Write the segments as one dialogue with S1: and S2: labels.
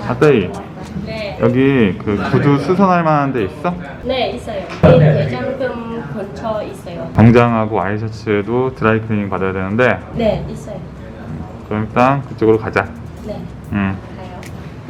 S1: 아따이,
S2: 네.
S1: 여기 그 구두 수선할 만한 데 있어?
S2: 네, 있어요. 대장금 근처 있어요.
S1: 정장하고 와이셔츠에도 드라이클리닝 받아야 되는데,
S2: 네, 있어요.
S1: 그럼 일단 그쪽으로 가자.
S2: 네,
S1: 응.
S2: 가요.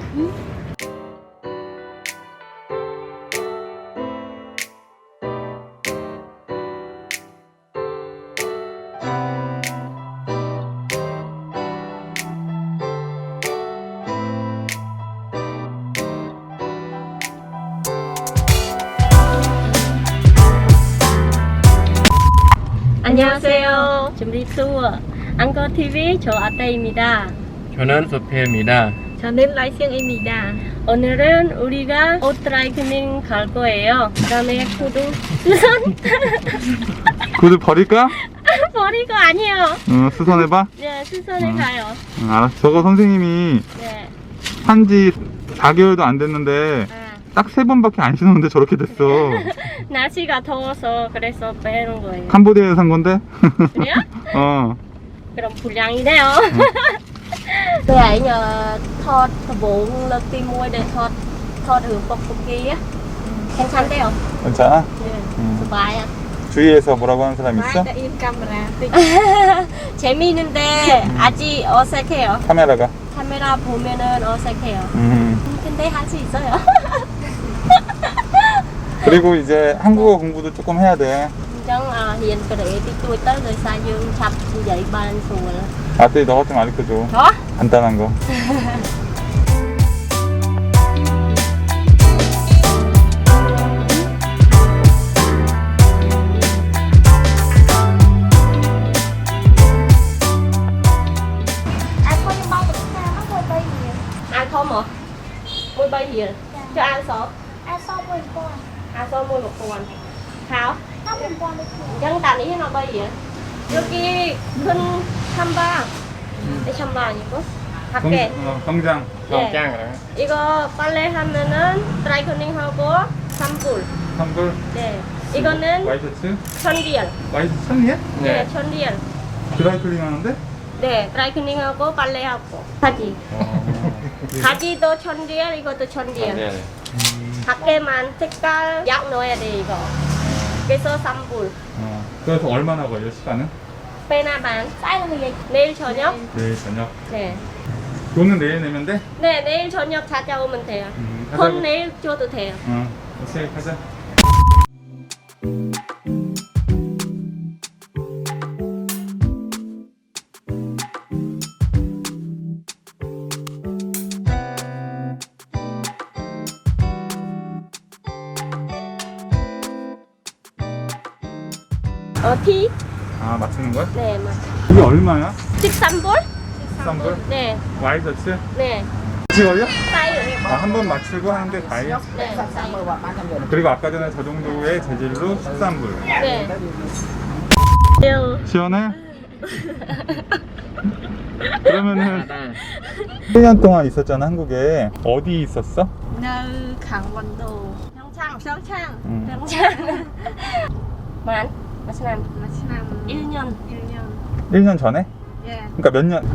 S2: 안녕하세요. 준비 투어 앙커 TV 저 아따입니다.
S3: 저는 소피입니다.
S2: 저는 라이승입니다. 오늘은 우리가 옷 드라이클리닝 갈 거예요. 그다음에 구두 수선
S1: 구두 버릴까?
S2: 버리고 아니에요.
S1: 응, 수선해봐.
S2: 네, 수선에 가요.
S1: 응, 알았어. 저거 선생님이
S2: 네.
S1: 한지 4개월도 안 됐는데, 딱 3번밖에 안 신었는데 저렇게 됐어.
S2: 날씨가 더워서 그래서 빼는 거예요.
S1: 캄보디아에서 산 건데?
S2: 그래요?
S1: 어.
S2: 그럼 불량이네요. Tôi ấy nhờ thọt bốn lần tìm mua để thọt ở bọc kia. 괜찮대요.
S1: 괜찮아?
S2: 네. 좋아요.
S1: 주위에서 뭐라고 하는 사람 있어?
S2: im 카메라. 재미있는데 아직 어색해요.
S1: 카메라가.
S2: 카메라 보면은 어색해요. 근데 할 수 있어요.
S1: 그리고 이제 한국어 공부도 조금 해야 돼.
S2: Chẳng hiện cái đấy thì tôi tới rồi xa dương chập dậy ban sùa.
S1: 아떼 너가 좀 가르쳐줘.
S2: Đó.
S1: 간단한 거.
S4: Ai có những bao bịch sao nó quay bay nhiều.
S2: Ăn không hả? Mua bay gì? Cho ăn số.
S4: Ai so 10 con.
S2: ăn số mua một con. Hảo.
S4: 50 con đấy chị.
S2: Dân tàn ý nó bay gì? 여기 큰 찬바. 이 찬바 아니고? 밖에.
S1: 성장.
S2: 예.
S3: 짱.
S2: 이거 빨래 하면은 드라이클닝 하고 3불.
S1: 3불.
S2: 네. 이거는
S1: 와이셔츠?
S2: 1000리얼.
S1: 와이셔츠 1000리에?
S2: 네, 1000리얼.
S1: 드라이클링 하는데?
S2: 네, 드라이클닝 하고 빨래 하고. 바지. 바지도 1000리얼, 이것도 1000리얼.
S3: 네.
S2: 밖에만 색깔 약 넣어야 돼 이거. 그래서 3불.
S1: 그래서 얼마나 걸려 시간은?
S2: 빼나반.
S4: Sai là người gì?
S2: 내일 저녁?
S1: 내일 저녁.
S2: 네.
S1: 돈은 내일 내면 돼?
S2: 네, 내일 저녁 찾아오면 돼요.
S1: 가자고.
S2: 돈 내일 줘도 돼요.
S1: 오케이 가자.
S2: 티?
S1: 아 맞추는 거야?
S2: 네, 맞.
S1: 이게 얼마야?
S2: 13불?
S1: 13불?
S2: 네,
S1: 와이셔츠?
S2: 네.
S1: 같이 걸려?
S2: 싸요.
S1: 한 번 맞추고 하는데 다예요?
S2: 네, 싸요.
S1: 그리고 아까 전에 저 정도의 재질로 13불.
S2: 네. 요.
S1: 시원해? 그러면은 1년 동안 있었잖아 한국에. 어디 있었어?
S2: nơi 강원도 평창
S1: 응.
S2: 평창 만? 마시남 1년
S1: 1년 전에?
S2: 예.
S1: 그러니까 몇 년?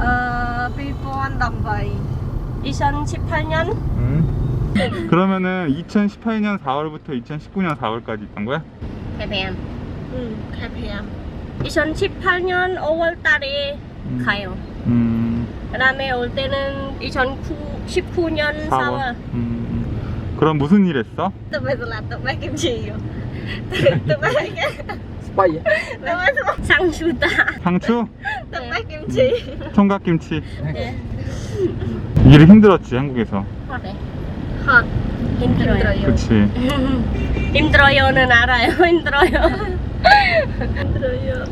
S2: 2018년
S1: 그러면은 2018년 4월부터 2019년 4월까지 있던 거야?
S2: KPM KPM 2018년 5월 달에 가요. 그 다음에 올 때는 2019년 4월.
S1: 그럼 무슨 일 했어?
S2: Tụi bây giờ là tụi bay kim chi rồi. Tụi bay
S3: 스파이.
S2: 상추다.
S1: 상추?
S2: tụi bay kim chi.
S1: 총각김치.
S2: 네.
S1: 일이 힘들었지 한국에서.
S2: 헛. 힘들어요.
S1: 그치.
S2: 힘들어요는 알아요. 힘들어요. 힘들어요.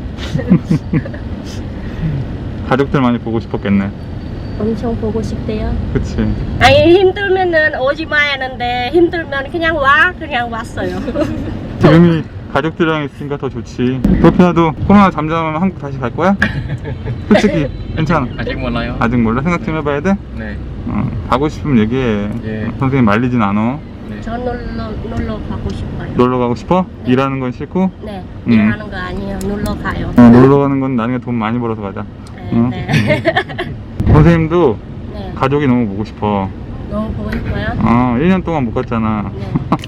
S1: 가족들 많이 보고 싶었겠네.
S2: 엄청 보고 싶대요.
S1: 그치.
S2: 아니 힘들면은 오지 마야 하는데 힘들면 그냥 왔어요.
S1: 지금이 가족들이랑 있으니까 더 좋지. 도피아도 코로나 잠잠하면 한국 다시 갈 거야? 솔직히 괜찮아.
S3: 아직 몰라요.
S1: 아직 몰라? 생각 좀 해봐야 돼?
S3: 네.
S1: 가고 싶으면 얘기해.
S3: 예.
S1: 선생님 말리진 않아.
S3: 네.
S2: 저 놀러 가고 싶어요.
S1: 놀러 가고 싶어?
S2: 네.
S1: 일하는 건 싫고?
S2: 네. 일하는 거 아니에요. 놀러 가요.
S1: 놀러 가는 건 나중에 돈 많이 벌어서 가자.
S2: 네.
S1: 응?
S2: 네.
S1: 선생님도
S2: 네.
S1: 가족이 너무 보고 싶어.
S2: 너무 보고 싶어요?
S1: 1년 동안 못 갔잖아.
S2: 네.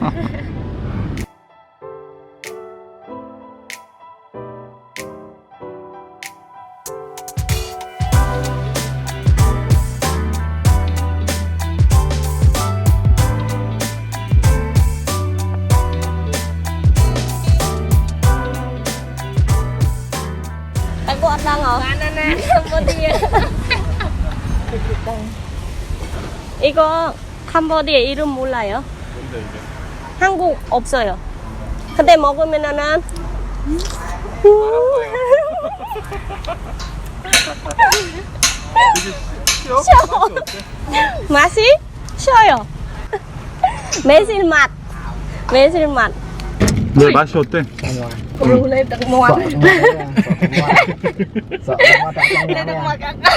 S2: Anh ăn đang hả? Banana Cambodia. 이거 캄보디아 이름 몰라요?
S1: 뭔데 이게?
S2: 한국 없어요. 근데 먹으면은 쉬워. 맛이 쉬어요. 매실맛. 매실맛.
S1: 왜 맛이 어때?
S2: Ru lên tận mòn.
S3: Sợ quá tạ trong
S2: Lên tận mòn cả.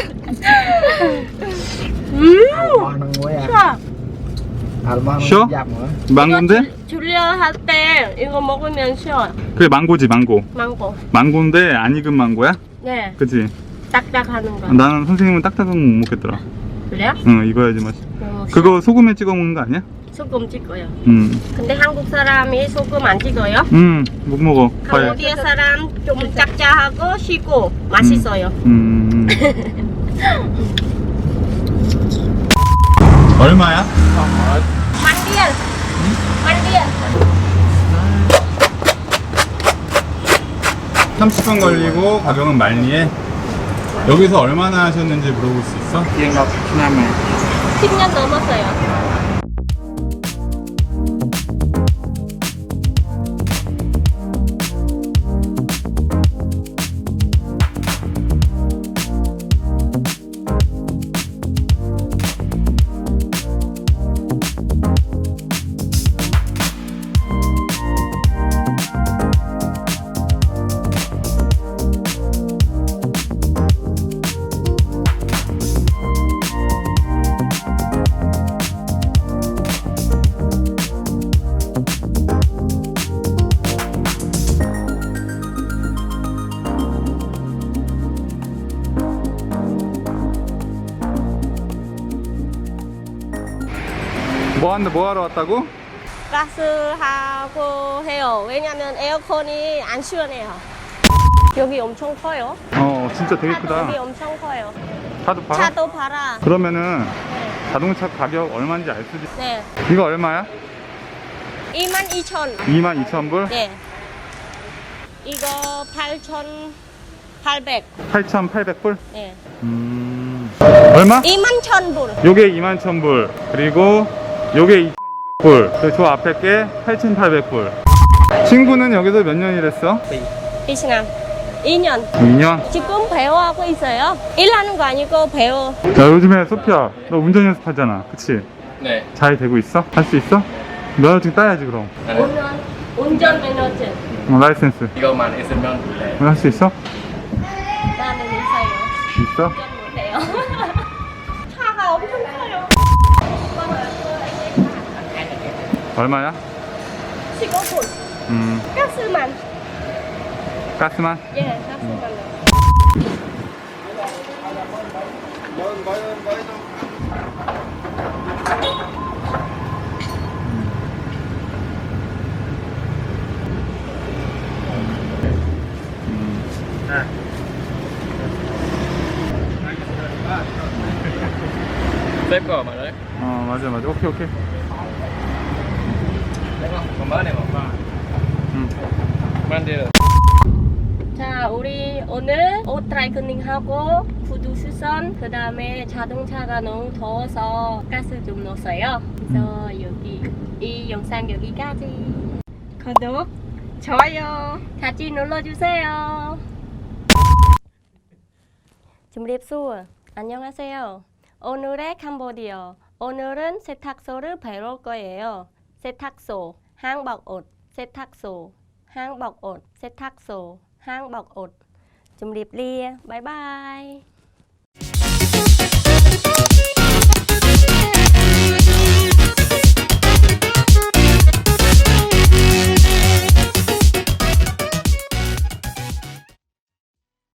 S3: Ngon muối à.
S2: 쉬어.
S3: Almond
S1: Sure.
S3: dặm nữa.
S1: 망고인데?
S2: 줄려 할 때 이거 먹으면 쉬어요.
S1: 그래 망고지 망고.
S2: 망고.
S1: 망고인데 안 익은 망고야?
S2: 네.
S1: 그치?
S2: 딱딱하는 거.
S1: 나는 선생님은 딱딱한 거 못 먹겠더라.
S2: 그래요?
S1: 응 익어야지 맛이.
S2: 너무 쉬워.
S1: 그거 소금에 찍어 먹는 거 아니야?
S2: 소금 찍어요.
S1: 응.
S2: 근데 한국 사람이 소금 안 찍어요?
S1: 못 먹어. 과일.
S2: 캄보디아 사람 좀 짭짤하고 시고 맛있어요.
S1: 얼마야?
S2: 만디안. 만디안.
S1: 30분 걸리고 가격은 말리에. 여기서 얼마나 하셨는지 물어볼 수 있어?
S2: 10년 넘었어요.
S1: 뭐 하러 왔다고?
S2: 가스하고 해요. 왜냐면 에어컨이 안 시원해요. 여기 엄청 커요.
S1: 진짜 되게
S2: 차도
S1: 크다.
S2: 여기 엄청 커요.
S1: 차도 팔아?
S2: 차도 팔아.
S1: 그러면은
S2: 네.
S1: 자동차 가격 얼마인지 알 수도 있어.
S2: 네.
S1: 이거 얼마야?
S2: 22,000.
S1: 22,000불?
S2: 네. 이거 8,800.
S1: 8,800불?
S2: 네.
S1: 얼마?
S2: 21,000불.
S1: 요게 21,000불. 그리고 요게 2,200불. 그리고 저 앞에 게 8,800불. 친구는 여기서 몇 년 일했어?
S2: 베트남. 2년.
S1: 2년?
S2: 지금 배워하고 있어요. 일하는 거 아니고 배워.
S1: 야, 요즘에 소피야, 너 운전 연습하잖아. 그치?
S3: 네.
S1: 잘 되고 있어? 할 수 있어? 면허증 따야지, 그럼.
S2: 운전 면허증.
S1: 라이센스.
S3: 이거만 있으면 돼.
S1: 할 수 있어?
S2: 나는 있어요.
S1: 있어?
S2: 운전 못해요. 차가 엄청 커요.
S1: 얼마야?
S2: 15분. 가스만.
S1: 가스만?
S2: 예, 가스만.
S3: Xếp của mà đấy.
S1: 맞아. 오케이.
S3: Còn này mà. 만들.
S2: 자, 우리 오늘 옷 드라이클닝 하고 구두 수선, 그 다음에 자동차가 너무 더워서 가스 좀 넣었어요. 그래서 여기 이 영상 여기까지. 구독, 좋아요 같이 눌러주세요. 준비했어. 안녕하세요. 오늘의 캄보디아. 오늘은 세탁소를 배울 거예요. 세탁소, 한복옷, 세탁소, 한복옷, 세탁소, 한복옷. 준비리에. 바이바이.